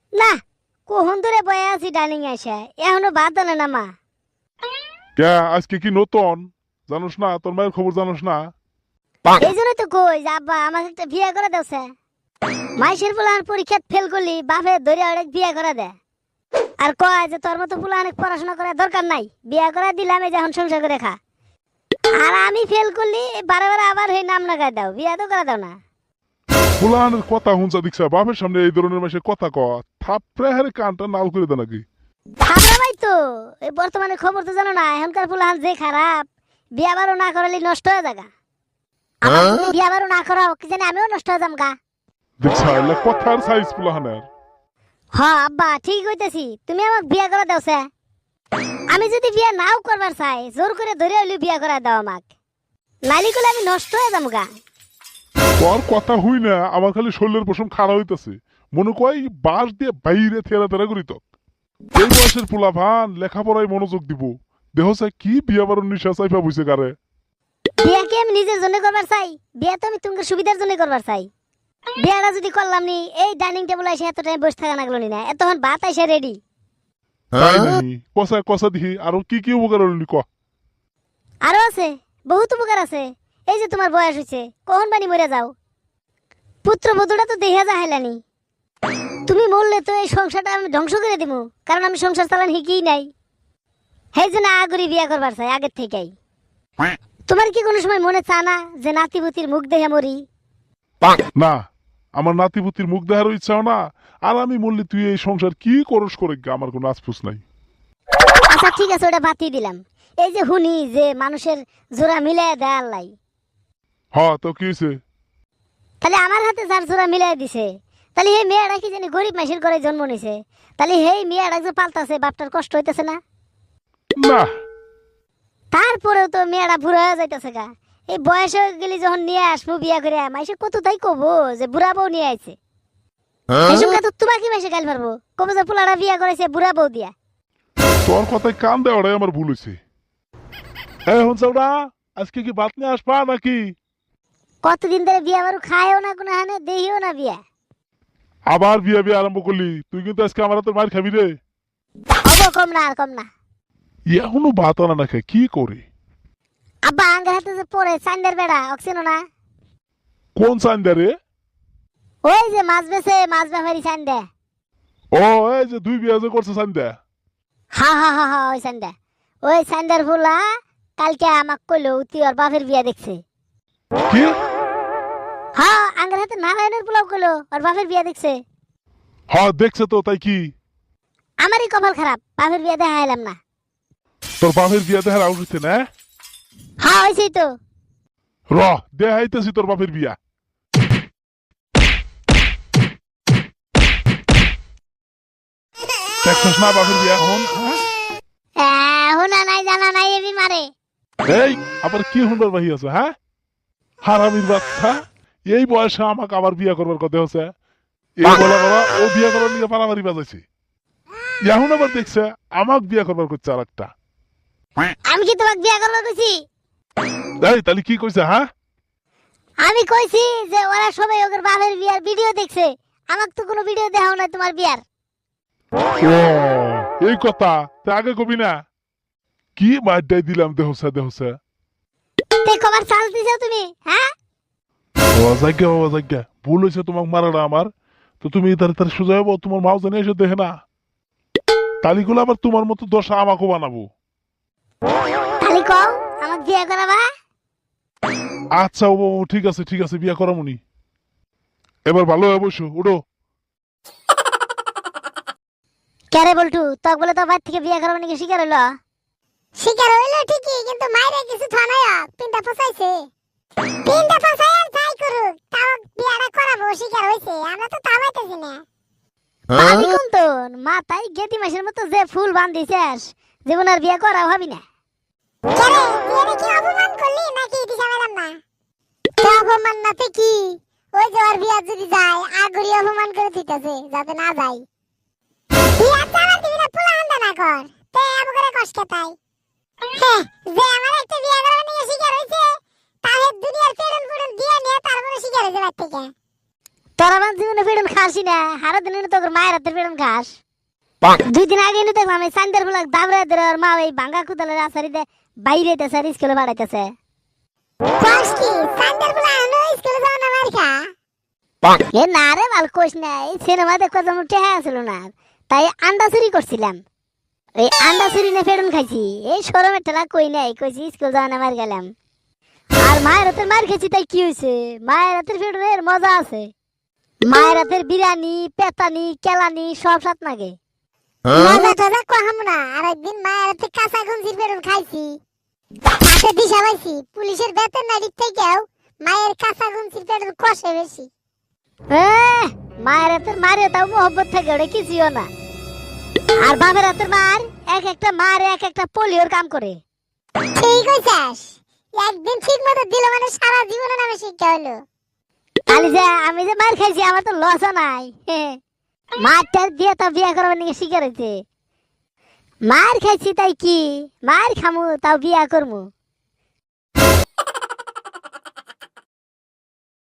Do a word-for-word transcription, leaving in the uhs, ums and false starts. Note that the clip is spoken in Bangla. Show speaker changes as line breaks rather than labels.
না, কখন ধরে বয়ে আছি ডাইনিং এসে, এখনো ভাত আনে না মা।
কে আজকে কি নতুন জানোস না? তোর মায়ের খবর জানোস না?
এই জন্যই তো কই যে আব্বা আমাকে একটা বিয়ে করে দেওছে। মাইশের পোলাহান পরীক্ষাত ফেল করলি বাপে ধরে অনেক বিয়ে করে দে, আর কয় যে তোর মতো পোলা অনেক পড়াশোনা করার দরকার নাই, বিয়ে করে দিলাম এই যখন সংসার করে খা। আর আমি ফেল করলি বারে বারে আবার হয়ে নাম লাগাই দাও, বিয়ে তো করে দাও না।
ফুলানের কথা হুঁচা দিকছা বাপের সামনে এই ধরনের মাসে কথা ক থাপড়ে হারে কানটা নাল করে দে নাকি?
খাবরা ভাই তো এই বর্তমানে খবর তো জানো না, এখনকার পোলাহান যে খারাপ, বিয়ে বারো না করালে নষ্ট হয়ে যাগা। আমার যদি বিয়ে বারো না করাও কি জানি আমিও নষ্ট হয়ে যাম গা।
দেখছা এলা কথার সাইজ ফুলাহানের।
হ্যাঁ আব্বা ঠিক হইতেছি, তুমি আমাকে বিয়ে করে দাওছে। আমি যদি বিয়ে নাও করবার চাই জোর করে ধরে হইলে বিয়ে করে দাও আমাকে, নাইলে করলে আমি নষ্ট হয়ে যাম গা।
তোর কথা হুই না, আমার খালি শরীরের পশম খাড়া হইতাছে। মনে কয় বাস দিয়ে বাইরে থেরা তেরা করি তো। এই বয়সের পোলা ভান লেখাপড়ায় মনোযোগ দিব, দেহ চাই কি বিয়া বারণ নিশা চাইফা বুঝে কারে।
বিয়ে কি আমি নিজের জন্য করবার চাই? বিয়ে তো আমি তোমার সুবিধার জন্য করবার চাই। বিয়েটা যদি করলাম নি এই ডাইনিং টেবিল এসে এত টাইম বসে থাকা লাগলো নি না, এতক্ষণ ভাত এসে রেডি।
তাই নাহি কষা কষা দিহি আরো কি কি উপকার হলি ক।
আরো আছে, বহুত উপকার আছে। এই যে তোমার বয়স হয়েছে, কখন বানি মরে যাও, পুত্র বধূটা তো দেখা যা হেলানি। তুমি মরলে তো এই সংসারটা আমি ধ্বংস করে দিব, কারণ আমি সংসার চালান শিখি নাই। সেই জন্য আগরি বিয়া করবার চাই আগের থেকেই। তোমার কি কোনো সময় মনে চা না যে নাতিপুতির মুখ দেখে মরি?
না, আমার নাতিপুতির মুখ দেখারও ইচ্ছাও না। আর আমি বললি তুই এই সংসার কি করস করে গা, আমার কোনো আশফুস নাই।
আচ্ছা ঠিক আছে, ওটা বাতিয়ে দিলাম। এই যে হুনি যে মানুষের জোড়া মিলাই দেয় আল্লাহ,
হ তো কি হয়েছে?
তাহলে আমার হাতে যার জোড়া মিলাই দিছে, তাহলে এই মেয়েটা কি জানি গরিব মাসির ঘরে জন্ম নিছে, তাহলে এই মেয়েটা যে পাল্টাছে বাপটার কষ্ট হইতেছে না?
না
তারপরেও তো মেয়েটা বুড়া হয়ে যাইতেছে গা। এই বয়স হয়ে গেলি যখন নিয়ে আসবো বিয়া করে, মাইসে কত তাই কবো যে বুড়া বউ নিয়ে আইছে। এসব কথা তোমাকে মাসে গাল মারবো, কবো যে পোলাটা বিয়া করেছে বুড়া বউ দিয়া।
তোর কথায় কান দেওয়াটাই আমার ভুল হয়েছে। হ্যাঁ হুনসাউডা, আজকে কি ভাত নিয়ে আসবা নাকি?
কতদিন ধরে বিয়া বারু খায়ও না, কোনো হানে দেহিও না বিয়া।
আবার বিয়া বিয়া আরম্ভ করলি, তুই কিন্তু আজকে আমার তোর মার খাবি রে।
হবো, কম না আর কম না।
এখনো ভাত আনা না খায় কি করে?
আব্বা আঙ্গার হাতে যে পড়ে চান্দের বেড়া অক্সিনো না,
কোন চান্দা রে?
ওই যে মাছ বেছে মাছ ব্যাপারি চান্দে।
ও এই যে দুই বিয়া যে করছে চান্দা।
হা হা হা হা ওই চান্দা, ওই চান্দার ফুলা কালকে আমাক কইলো তুই ওর বাপের বিয়া দেখছে।
কি?
হ্যাঁ আঙ্গার হাতে নারায়ণের পোলাও কইলো ওর বাপের বিয়া দেখছে।
হ্যাঁ দেখছে তো, তাই কি?
আমারই কপাল খারাপ, বাপের বিয়া দেখা এলাম না।
তোর বাপের বিয়া দেখার আউট হচ্ছে না?
হ্যাঁ হয়েছে তো।
র দেখাইতেছি তোর বাপের বিয়া। দেখছিস না বাপের বিয়া এখন?
হুনা নাই জানা নাই এবি মারে।
এই আবার কি হুন্ডার বাহি আছে? হ্যাঁ হারামির বাচ্চা, এই বয়সে আমাকে আবার বিয়া করবার কথা হচ্ছে। এই বলা বলা ও বিয়া করার নিয়ে পারামারি বাজাইছে, এখন আবার দেখছে আমাকে বিয়া করবার করছে আর একটা।
আমি কি তোমাকে বিয়া করবো কইছি?
এই তাহলে কি কইছে? হ্যাঁ
আমি কইছি যে ওরা সবাই ওদের বাপের বিয়ার ভিডিও দেখছে, আমাকে তো কোনো ভিডিও দেখাও না তোমার বিয়ার।
ও এই কথা তা আগে কবি না? কি মারটাই দিলাম দেহসা দেহসা।
তে কবার চান্স দিছো তুমি? হ্যাঁ
বাবা যাজ্ঞা বাবা যাজ্ঞা, ভুল হয়েছে তোমাকে মারাটা আমার। তো তুমি তার তার সোজা হবো, তোমার মাও জানে এসে দেখে না, তালিগুলো আবার তোমার মতো দশা আমাকেও বানাবো।
খালি কও আমাকে বিয়া করাবা।
আচ্ছা ও বাবু ঠিক আছে ঠিক আছে, বিয়া করামুনি। এবার ভালো হয়ে বসো, উঠো।
কেরে বলটু তক বলে তো বাইর থেকে বিয়া করাবো নাকি শিকার হইলো?
শিকার হইলো ঠিকই, কিন্তু মাইরে কিছু থানায় পিন্ডা ফসাইছে। পিন্ডা ফসাই আর যাই করুক, তাও বিয়াটা করাবো শিকার হইছে, আমরা তো থামাইতেছি না।
ভাবি কোন তো মাথায় গেটি মাসের মতো যে ফুল বান্ধিছিস, জীবন আর বিয়া করা হবি না।
কেরে বিয়ারে কি অপমান করলি নাকি ইতি সামেলাম না? তো অপমান নাতে কি, ওই যে ওর বিয়া যদি যায় আগুরি অপমান করে দিতেছে যাতে না যায়। বিয়া চালা দিবি না, পোলা আন্দা না কর, তে আবু করে কষ্ট তাই। হ্যাঁ যে আমার একটা বিয়া করা নিয়ে শিকার হইছে, তাহলে দুনিয়ার পেড়ন পুড়ন দিয়ে নিয়ে তারপরে শিকার হইছে বাদ থেকে।
তোর আমার জীবনে ফেরন খাসি না, হারা দিন তোর মায়ের হাতের ফেরন খাস। দুই দিন আগে নিতে দেখলাম এই সান্দার ফুলাক দাবড়া ধরে ওর মা ওই ভাঙ্গা কুতালের আসারিতে বাইরে যেতেছে আর স্কুলে পাঠাইতেছে।
কস কি সান্ডার বলা আনো স্কুলে যাও না মার খা।
এ না রে বাল কোষ না, এই সিনেমা দেখতে যেমন টেহা ছিল না, তাই আন্ডা চুরি করছিলাম। এই আন্ডা চুরি না ফেরন খাইছি, এই শরমের ঠেলা কই নাই, কইছি স্কুল যাওয়া না মার গেলাম। আর মায়ের হাতের মার খেয়েছি তাই কি হয়েছে, মায়ের হাতের ফেরনের মজা আছে। মায়ের হাতের বিরিয়ানি, পেতানি, কেলানি সব সাত নাগে।
মজা টজা কহাম না, আর একদিন মায়ের হাতে কাঁচা গঞ্জির বেরুন খাইছি, তাতে দিশা পাইছি পুলিশের বেতন নাড়ির থেকেও মায়ের কাঁচা গঞ্জির বেরুন কষে বেশি।
এহ, মায়ের হাতের মারে তাও মোহব্বত থাকে, ওটা কিছুও না। আর বাপের হাতের মার এক একটা মার এক একটা পোলিওর কাম করে।
ঠিক কইছাস, একদিন ঠিক মতো দিল মানে সারা জীবনে নামে শিক্ষা হলো।
খালি যে আমি যে মার খাইছি আমার তো লসও নাই। মারটার দিয়ে তো বিয়ে করবার নিয়ে শিকার হয়েছে। মার খাইছি তাই কি, মার খামু তাও বিয়া করমু।